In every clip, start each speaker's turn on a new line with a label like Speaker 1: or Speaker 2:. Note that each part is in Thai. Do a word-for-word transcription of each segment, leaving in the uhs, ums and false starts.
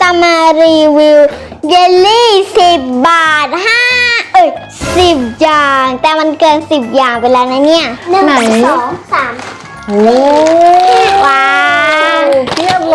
Speaker 1: มารีวิวเยลลี่สิบบาทห้าเอ้ยสิบอย่างแต่มันเกินสิบอย่างไปแล้วนะเนี่ยหนึ่งสองสาม
Speaker 2: โอ้
Speaker 1: ว้าว
Speaker 2: เทียบเลย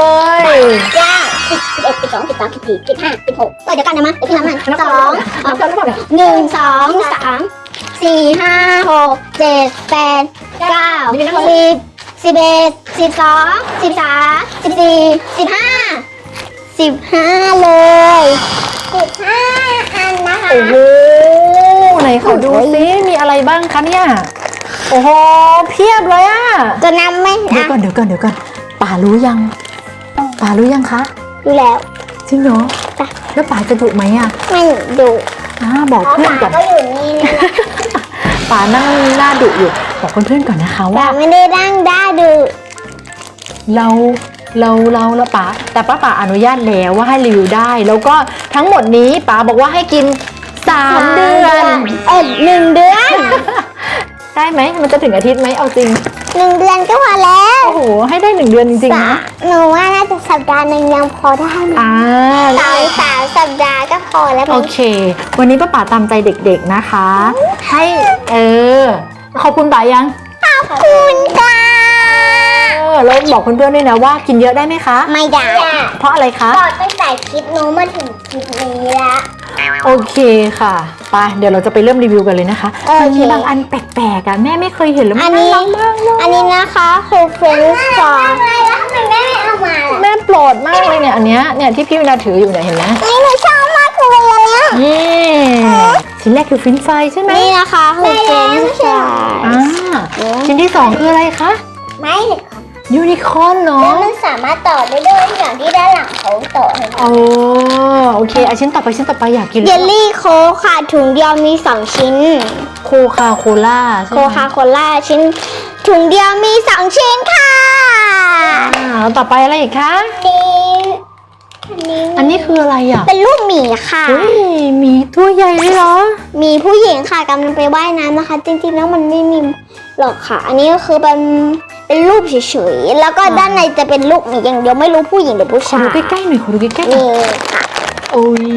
Speaker 1: เก้าสิบสิบเอ็ดสิบสองสิบสามสิบสี่สิบห้าสิบหกเออเดี๋ยวกันนะมั้ยเดี๋ยวพี่น้ำมันสองหนึ่งสองสามสี่ห้าหกเจ็ดแปดเก้าสิบสิบเอ็ดสิบสองสิบสามสิบสี่สิบห้าสิบห้าเลยสิบห้าอันนะคะ
Speaker 2: โอ้โหไหนขอดูซิมีอะไรบ้างคะเนี่ยโอ้โหเพียบเลยอะ
Speaker 1: จะนำไหม
Speaker 2: เดี๋ยวก่อนเดี๋ยวก่อนเดี๋ยวก่อนป่ารู้ยังป่ารู้ยังคะ
Speaker 1: ดูแล้ว
Speaker 2: จริงเหรอ
Speaker 1: จ้ะ
Speaker 2: แล้วป่าจะดุไหมอะ
Speaker 1: ไม่ดู
Speaker 2: อ่าบอกเพื่อนก่อน
Speaker 1: ก็อยู่นี่นะ
Speaker 2: ป่านั่งหน้าดุอยู่บอกเพื่อนๆก่อนนะคะ
Speaker 1: แต่
Speaker 2: ว่า
Speaker 1: ไม่ได้นั่งได้ดู
Speaker 2: เราเราเราแล้วป๋าแต่ป้าป๋าอนุญาตแล้วว่าให้รีวิวได้ แล้วก็ทั้งหมดนี้ป๋าบอกว่าให้กินสามเดือน
Speaker 1: เออหนึ่งเดือน
Speaker 2: ได้ไหมมันจะถึงอาทิตย์ไหมเอาจริง
Speaker 1: หนึ่งเดือนก็พอแล้ว
Speaker 2: โอ้โหให้ได้หนึ่งเดือนจริงๆนะ
Speaker 1: หนูว่าน่าจะสัปดาห์หนึ่งยังพอได้นะ
Speaker 2: อ่า
Speaker 1: สามสามสัปดาห์ก็พอแล้ว
Speaker 2: โอเค วันนี้ป้าป๋าตามใจเด็กๆนะคะ ให้เออขอบคุณป๋ายัง
Speaker 1: ขอบคุณค่ะ
Speaker 2: เออแล้วบอกเพื่อนๆด้วยนะว่ากินเยอะได้ไหมคะ
Speaker 1: ไม่ได้
Speaker 2: เพราะอะไรคะ
Speaker 1: พอตั้งแต่คลิปนู้นมาถึงคลิปนี้แล้ว
Speaker 2: โอเคค่ะไปเดี๋ยวเราจะไปเริ่มรีวิวกันเลยนะคะ
Speaker 1: โอเค
Speaker 2: มันมีบางอันแปลกๆอ่ะแม่ไม่เคยเห็นแล้ว
Speaker 1: อั
Speaker 2: มัน น
Speaker 1: นี้
Speaker 2: น่ารักมากเลย
Speaker 1: อันนี้นะคะคือเฟรนช์ฟรายแล้วทำไมแม่ไม่เอามาล่ะ
Speaker 2: แม่โปรดมากเลยเนี่ยอันเนี้ยเนี่ยที่พี่วินาถืออยู่เนี่ยเห็นไหม
Speaker 1: นี่หนูชอบมากเลยอันเนี้ย
Speaker 2: นี่ชิ้นแรกคือฟินช์ฟรายใช่ไหม
Speaker 1: นี่นะคะคือเฟรนช์ฟราย
Speaker 2: อ่าชิ้นที่สองคืออะไรคะ
Speaker 1: ไม่เลยค่ะ
Speaker 2: ยูนิคอร์นเนาะ
Speaker 1: แล้วมันสามารถต่อได้ด้วยอย่างที่ด้านหลังเขาต่อให้
Speaker 2: โอ้โอเคอ่ะชิ้นต่อไปชิ้นต่อไปอยากกิน
Speaker 1: เยลลี่โค้กค่ะถุงเดียวมีสองชิ้น
Speaker 2: โคคาโคล่าใช่ไห
Speaker 1: โค
Speaker 2: ม
Speaker 1: คาโคล่าชิ้นถุงเดียวมีสองชิ้นค่ะ
Speaker 2: อ่าแล้วต่อไปอะไรอีกคะ
Speaker 1: นี่
Speaker 2: อันนี้คืออะไรอ่ะ
Speaker 1: เป็นรูปหมีค่ะ
Speaker 2: เฮ้ยหมีตัวใหญ่เลยเหรอ
Speaker 1: มีผู้หญิงค่ะกำลังไปว่ายน้ำนะคะ จริงๆแล้วมันไม่มีหรอกค่ะ อันนี้ก็คือเป็นเป็นรูปเฉยๆแล้วก็ด้านในจะเป็นรูปหมีอย่างเดียวไม่รู้ผู้หญิงหรือผู้
Speaker 2: ขอ
Speaker 1: ชาย
Speaker 2: ดูใกล้ๆหน่อยขอดูใกล้ๆหน่อย
Speaker 1: นี่ค่ะ
Speaker 2: โอ้ย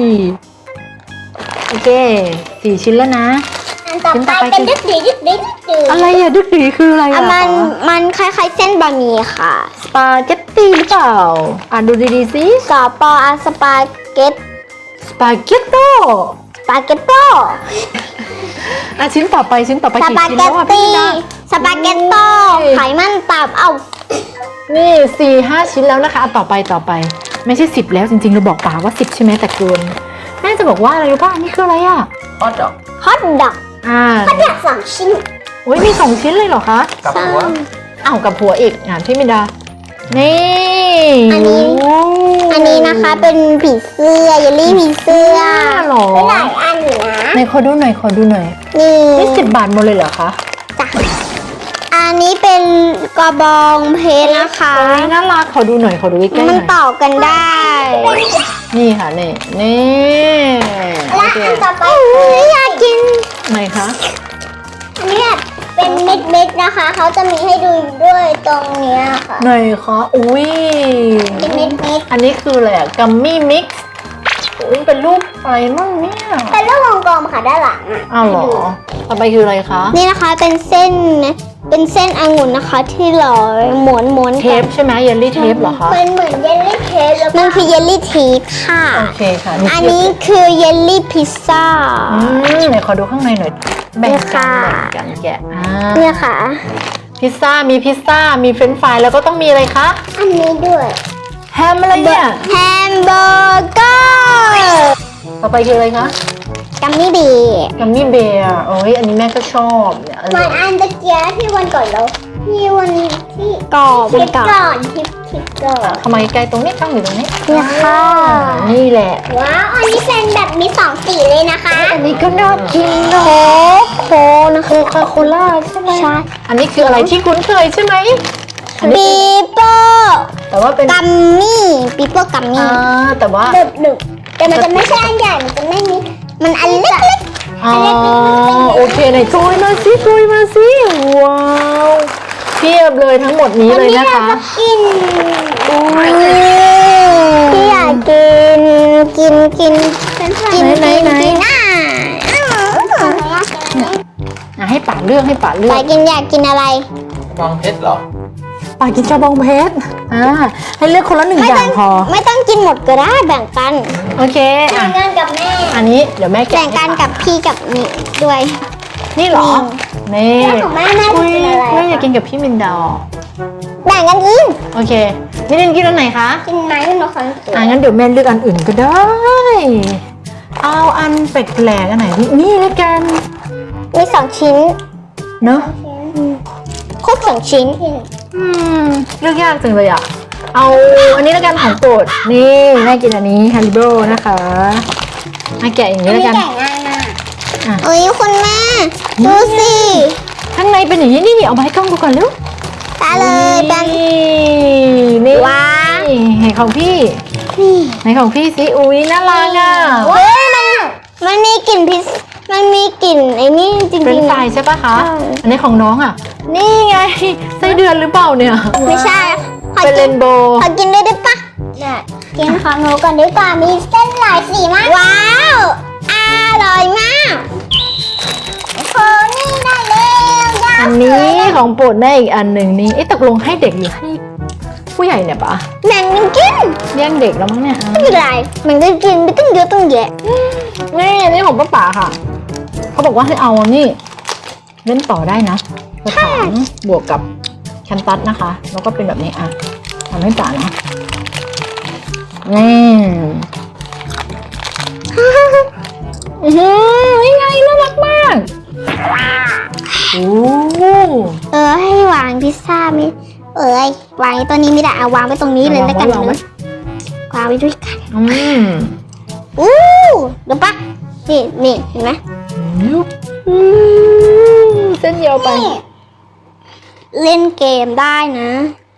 Speaker 2: โอเคสี่ชิ้นแล้วนะ
Speaker 1: อันต่อไปเป็นดึกดีดึกดีดึกดี
Speaker 2: อะไรอะดึกดีคืออะไร
Speaker 1: อ่ะ
Speaker 2: อะ
Speaker 1: มันมันคล้ายๆเส้นบะหมี่ค่ะ
Speaker 2: สปาเกตตี้หรือเปล่าอ่านดูดีๆสิ
Speaker 1: สอปออาสปาเกต
Speaker 2: สปาเกตโต
Speaker 1: สปาเกตโต
Speaker 2: อ่ะชิ้นต่อไปชิ้นต่อไป
Speaker 1: ส
Speaker 2: กี่
Speaker 1: ปา
Speaker 2: ชิ้น
Speaker 1: เก
Speaker 2: แล้
Speaker 1: ต
Speaker 2: วอะพี่
Speaker 1: ตี้
Speaker 2: ดา
Speaker 1: สปาเกตโตไขมันตับเอ้า
Speaker 2: นี่สี่ห้าชิ้นแล้วนะคะอ่ะต่อไปต่อไป ไม่ใช่สิบแล้วจริงๆเราบอกป่าว่าสิบใช่ไหมแต่เกินแม่จะบอกว่าอะไรรู้ป่ะนี่คืออะไรอะ
Speaker 3: ฮอตดอก
Speaker 1: ฮอทดอก
Speaker 2: อ่า
Speaker 1: ฮอทดอกสองชิ้น
Speaker 2: โอ้ยมีสองชิ้นเลยเหรอคะ
Speaker 3: กับหัว
Speaker 2: อ้าวกับหัวอีกอ่านพี่มิดา นี่
Speaker 1: อันนี้
Speaker 2: โอ้
Speaker 1: อันนี้นะคะเป็นผีเสื้อเยลลี่ผีเสื้อ
Speaker 2: หรอ
Speaker 1: หลายอันอยู่นะ
Speaker 2: ไหนขอดูหน่อยขอดูหน่อย
Speaker 1: นี่
Speaker 2: นี่สิบบาทหมดเลยเหรอคะ
Speaker 1: จ้ะอันนี้เป็นกระบองเพชรนะคะ
Speaker 2: โอ้ยน่ารักขอดูหน่อยขอดูใกล้ๆห
Speaker 1: มัน
Speaker 2: น่อย
Speaker 1: ต่อกันได้
Speaker 2: นี่ค่ะนี่นี่โอ
Speaker 1: และ
Speaker 2: เค
Speaker 1: อันต่อไปอยากกิน
Speaker 2: ไหนคะ
Speaker 1: อันนี้แบบเป็นเม็ดๆนะคะ เขาจะมีให้ดูด้วยตรงเนี้ยค่ะ
Speaker 2: ไหนคะอุ้ย
Speaker 1: เป็นเม็ด
Speaker 2: อันนี้คืออะไรอะกัมมี่มิกซ์อุ้ยเป็นรูปอะไรมั่งเนี่ย
Speaker 1: ๆเป็นรูปวงกลมค่ะด้านหลังอะ
Speaker 2: อ้าวเหรอต่อไปคืออะไรคะ
Speaker 1: นี่นะคะเป็นเส้นเป็นเส้นองุ่นนะคะ ที่หล่อหมุนหมุน
Speaker 2: เทปใช่ไหมเยลลี่เทปเหรอคะ
Speaker 1: เป็นเหมือนเยลลี่เทปแล้วมันคือเยลลี่ทีปค่ะ
Speaker 2: โอเคค่ะ
Speaker 1: อันนี้คือเยลลี่พิซซ่า
Speaker 2: อืมไหนขอดูข้างในหน่อยแบ่ง
Speaker 1: นี่
Speaker 2: กั
Speaker 1: ค่ะ
Speaker 2: นแบ่งกันแกะอ่า
Speaker 1: เนี่ยค่ะ
Speaker 2: พิซซ่ามีพิซซ่ามีเฟรนช์ฟรายแล้วก็ต้องมีอะไรคะ
Speaker 1: อันนี้ด้วย
Speaker 2: แฮมอะไรเนี่ย
Speaker 1: แฮมเบอร์เกอร์
Speaker 2: ต่อไปคืออะไรคะ
Speaker 1: กัมมี่บี
Speaker 2: กัมมี่เบียร์โอ้ยอันนี้แม่ก็ชอบเนี่ยอร่
Speaker 1: วั
Speaker 2: อน ย
Speaker 1: อันตะเกียที่วันก่อนเราที่วันที่ก่อเป็นก่อนทิปทิปก่อน
Speaker 2: ทำไมไกลตรงนี้ตั้งอยู่ตรงนี้
Speaker 1: เนี่ยค่ะ
Speaker 2: นี่แหละ
Speaker 1: ว้าวอันนี้เป็นแบบมีสองสีเลยนะคะ
Speaker 2: อันนี้ก็น่ากินเนาะ
Speaker 1: โค้กนะ
Speaker 2: โคคาโคล่าใช่ไหม
Speaker 1: ใช่
Speaker 2: อันนี้คืออะไรที่คุ้นเคยใช่ไหมอันนี้
Speaker 1: ปีโป้
Speaker 2: แต่ว่าเป็น
Speaker 1: กัมมี่ปีโป้กัมมี่
Speaker 2: อ่าแต่ว่า
Speaker 1: ดึบดึบแต่มันจะไม่ใช่อันใหญ่มันจะไม่มีมันอันเล็ก
Speaker 2: อ๋อโอเคไหนโชยมาสิโชยมาสิว้าวเทียบเลยทั้งหมดนี้
Speaker 1: ๆ
Speaker 2: เลยนะคะ
Speaker 1: กินพี่อยากากกินกินกินกิน
Speaker 2: ไหน
Speaker 1: กิน
Speaker 2: ไหน
Speaker 1: กินอ่ะ
Speaker 2: อ่ะให้ป๋าเลือกให้ป๋าเลือ
Speaker 1: ปาก กินอยากกินอะไร
Speaker 3: บองเพชรเหรอ
Speaker 2: ป๋ากินกระบองเพชรอ่าให้เลือกคนละหนึ่งอย่างพอ
Speaker 1: ไม่ต้องกินหมดก็ได้แบ่งกัน
Speaker 2: โอเคอ่ะ
Speaker 1: แบ่งกันกับแม่
Speaker 2: อันนี้เดี๋ยวแม่แกะ
Speaker 1: แบ่งกันกับพี่กับนี่ด้วย
Speaker 2: นี่เหรอนี่
Speaker 1: ของแม่แม่
Speaker 2: อุ้ย
Speaker 1: กินอะไร
Speaker 2: แม่อยากกินกับพี่มินดา
Speaker 1: แบ่งกันกิน
Speaker 2: โอเคนี่เล่นกินอันไหนคะ
Speaker 1: กินไหมนกขัน
Speaker 2: อ่ะงั้นเดี๋ยวแม่เลือกอันอื่นก็ได้ เอาอันแปลกๆอันไหนนี่นี่แล้วกัน
Speaker 1: มีสองชิ้น
Speaker 2: เนอะ
Speaker 1: ครบสองชิ้น
Speaker 2: อืมเลือกยากจังเลยอ่ะ เอาอันนี้แล้วกันของโปรดนี่แม่กินอันนี้ฮาริโบนะคะมาแกะอย่างนี้แล้วกัน
Speaker 1: ง่ายมาก
Speaker 2: อ่ะ
Speaker 1: เอ้ยคุณแม่ดูสิ
Speaker 2: ข้างในเป็นอย่างนี้นี่นี่เอามาให้กล้องดูก่อนเร็ว
Speaker 1: ตาเลยเป็น
Speaker 2: นี่
Speaker 1: ว้าว
Speaker 2: ไหนของพี่
Speaker 1: นี่
Speaker 2: ไหนของพี่สิอุ้ยน่ารักอ่ะ
Speaker 1: เฮ้ยมันมันมีกลิ่นพิซมันมีกลิ่นไอ้นี่จริง
Speaker 2: เป็น
Speaker 1: ๆ
Speaker 2: ไฟ
Speaker 1: นะ
Speaker 2: ใช่ปะคะ
Speaker 1: ใช่
Speaker 2: อันนี้ของน้องอ่ะ นี่ไงไส้เดือนหรือเปล่าเนี่ย
Speaker 1: ไม่ใช่ขอ
Speaker 2: เป็นเร
Speaker 1: กิน
Speaker 2: นโบว์
Speaker 1: ขอกินด้วยได้ปะกินของหนูก่อนดีกว่ามีเส้นหลายสีมากว้าวอร่อยมากโคนี่ได้แล้วยา
Speaker 2: อันนี้ของโปรดแม่อีกอันหนึ่งนี่เอ๊ะตกลงให้เด็กหรือให้ผู้ใหญ่เนี่ยปะ
Speaker 1: แบ่งกันกิน
Speaker 2: แย่งเด็กแล้วมั้งเนี่ยอ่ะ
Speaker 1: ไม่เป็นไรมันก็กินไม่ต้องเยอะต้องแยะ
Speaker 2: นี่อันนี้ของป้าป๋าค่ะ เขาบอกว่าให้เอานี่เล่นต่อได้นะกระถางบวกกับแคนตัสนะคะ แล้วก็เป็นแบบนี้อ่ะทำให้ป๋านะนี่อื้อหือนี่ไงน่ารักมากโอ้
Speaker 1: เออให้วางพิซซ่ามิเอ้ยวางไว้ตัวนี้ไม่ได้เอาวางไว้ตรงนี้เลยแล้วกัน
Speaker 2: วางไว้
Speaker 1: นะวางไว้ด้วยกัน
Speaker 2: อืม
Speaker 1: อู้เดี๋ยวปะนี่นี่เห็นไหม
Speaker 2: ยุบอืมเส้นเดียวไป
Speaker 1: นี่เล่นเกมได้นะ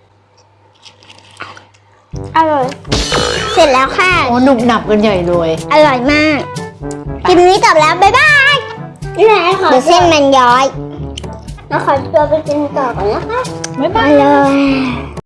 Speaker 1: อร่อยเสร็จแล้วค่ะ
Speaker 2: โอ้หนุบหนับกันใหญ่เลย
Speaker 1: อร่อยมากคลิปนี้จบแล้วบ๊ายบายนี่ไหนขอเดี๋ยวเส้นมันย้อยแล้วขอตัวไปกินต่อก่อนนะคะ
Speaker 2: บ๊ายบา
Speaker 1: ไป
Speaker 2: ย
Speaker 1: เลย